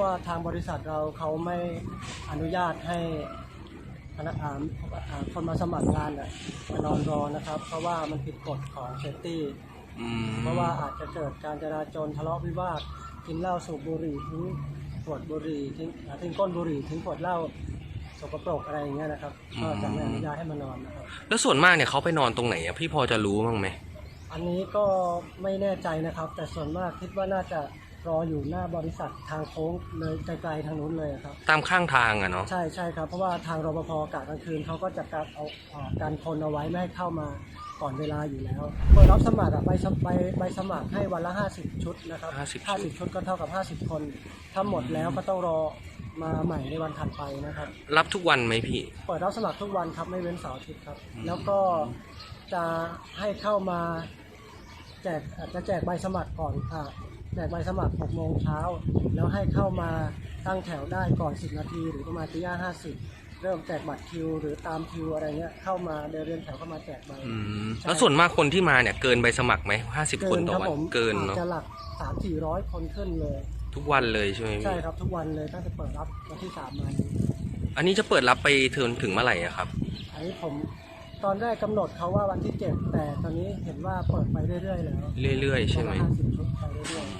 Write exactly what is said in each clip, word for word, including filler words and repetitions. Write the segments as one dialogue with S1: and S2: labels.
S1: ว่าทางบริษัทเราเขาไม่อนุญาตให้พนักงานคนมาสมัครงานเนี่ยมานอนรอนะครับ เพราะว่ามันผิดกฎของเซฟตี้เพราะว่าอาจจะเกิดการจราจรทะเลาะวิวาทกินเหล้าสูบบุหรี่ทิ้งขวดบุหรี่ทิ้งทิ้งก้นบุหรี่ทิ้งขวดเหล้าสกปรกอะไรอย่างเงี้ยนะครับก็จะไม่อนุญาตให้มานอนนะครับ
S2: แล้วส่วนมากเนี่ยเขาไปนอนตรงไหนอ่ะพี่พอจะรู้บ้างไหม
S1: อันนี้ก็ไม่แน่ใจนะครับแต่ส่วนมากคิดว่าน่าจะรออยู่หน้าบริษัททางโค้งเลยไกลๆทางนู้นเลยครับ
S2: ตามข้างทางอ่ะเนาะ
S1: ใช่ใช่ครับเพราะว่าทางรปภกะกลางคืนเขาก็จะการเอาการคนเอาไว้ไม่ให้เข้ามาก่อนเวลาอยู่แล้วเปิดรับสมัครใบใบใบสมัครให้วันละห้าสิบชุดนะครับห้าสิบชุดก็เท่ากับห้าสิบคนถ้าหมดแล้วก็ต้องรอมาใหม่ในวันถัดไปนะครับ
S2: รับทุกวันไหมพี่
S1: เปิดรับสมัครทุกวันครับไม่เว้นเสาร์อาทิตย์ครับแล้วก็จะให้เข้ามาแจกจะแจกใบสมัครก่อนค่ะแจกใบสมัครหกโมงเช้าแล้วให้เข้ามาตั้งแถวได้ก่อนสิบนาทีหรือประมาณตีห้าห้าสิบเริ่มแจกบัตรคิวหรือตามคิวอะไรเงี้ยเข้ามาเดินเรียงแถวเข้ามาแจกใบ
S2: แล้วส่วนมากคนที่มาเนี่ยเกินใบสมัครไหมห้าสิบคนต่อวันเกินเนาะ
S1: จะหลักสามสี่ร้อยคนขึ้นเลย
S2: ทุกวันเลยใช่ไหม
S1: ใช่ครับทุกวันเลยตั้งแต่เปิดรับวันที่สามมา
S2: อันนี้จะเปิดรับไปถึงถึงเมื่อไหร่อะครับ
S1: อันนี้ผมตอนแรกกำหนดเขาว่าวันที่เจ็ดแต่ตอนนี้เห็นว่าเปิดไปเรื่อยๆแล้ว
S2: เรื่อยๆใช่ไหม
S1: ห้าสิบชุดไปเรื่อย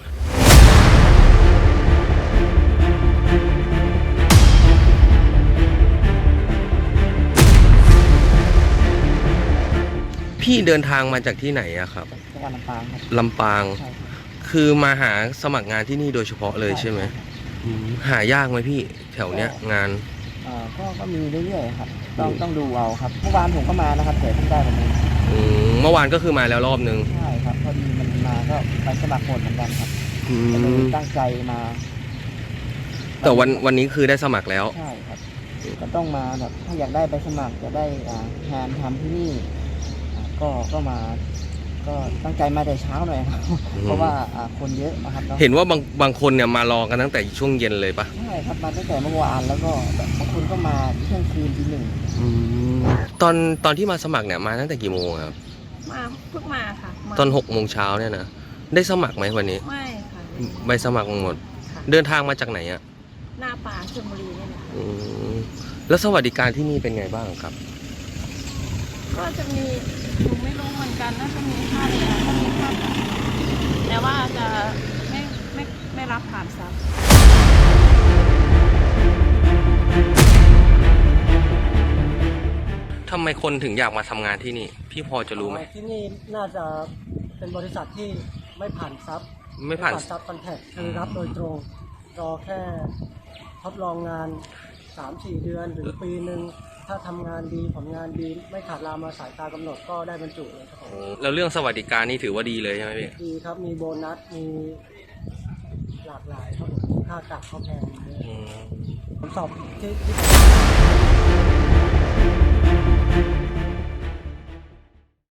S2: ๆพี่เดินทางมาจากที่ไหนอะครับ
S1: จังหวัดลำปางครับ
S2: ลำปางคือมาหาสมัครงานที่นี่โดยเฉพาะเลยใช่ไหมหายากไหมพี่แถวเนี้ยงาน
S1: ก็ก็มีเรื่อยๆครับต้องต้องดูเอาครับเมื่อวานผมก็มานะครับแต่เพิ่งได้วันนี้
S2: เมื่อวานก็คือมาแล้วรอบนึง
S1: ใช่ครับพอดีมันมาก็ไปสมัครหมดเหมือนกันครับตั้งใจมา
S2: แต่วันวันนี้คือได้สมัครแล้ว
S1: ใช่ครับก็ต้องมาแบบถ้าอยากได้ไปสมัครจะได้งานทำที่นี่ก็ก็มาก็ตั้งใจมาแต่เช้าหน่อยครับเพราะว่าคนเยอะนะครับ
S2: เห็นว่าบางบางคนเนี่ยมารอกันตั้งแต่ช่วงเย็นเลยปะ
S1: ใช่ครับมาตั้งแต่เมื่อวานแล้วก็บางคนก็มาเที่ยงคืนทีหนึ่ง
S2: ตอนตอนที่มาสมัครเนี่ยมาตั้งแต่กี่โมงครับ
S3: มาเพิ่งมาค่ะ
S2: ตอนหกโมงเช้าเนี่ยนะได้สมัครไหมวันนี้
S3: ไม่ค่ะ
S2: ใบสมัครหมดเดินทางมาจากไหนอะ
S3: หน้าป่าชลบุรีนี่แหละ
S2: แล้วสวัสดิการที่นี่เป็นไงบ้างครับ
S3: ก็จะมีหนูไม่รู้เหมือนกันน่าจะมีค่าเรียนก็มีค่าจ่ายแต่ว่าจะไม่ไม่ไม่รับผ่านซับ
S2: ทำไมคนถึงอยากมาทำงานที่นี่พี่พอจะรู้ไหม
S1: ที่นี่น่าจะเป็นบริษัทที่ไม่ผ่านซับ
S2: ไม่ผ่าน
S1: ซับคอนแทคคือรับโดยตรงรอแค่ทดลองงาน สามสี่ เดือนหรือปีหนึ่งถ้าทำงานดีผลงานดีไม่ขาดลามาสายตากำหนดก็ได้บรรจุเลยครับผม
S2: แล้วเรื่องสวัสดิการนี่ถือว่าดีเลยใช่ไหมพี่
S1: ดีครับมีโบนัสมีหลากหลายครับค่ากะเขาแพงผมสอบที่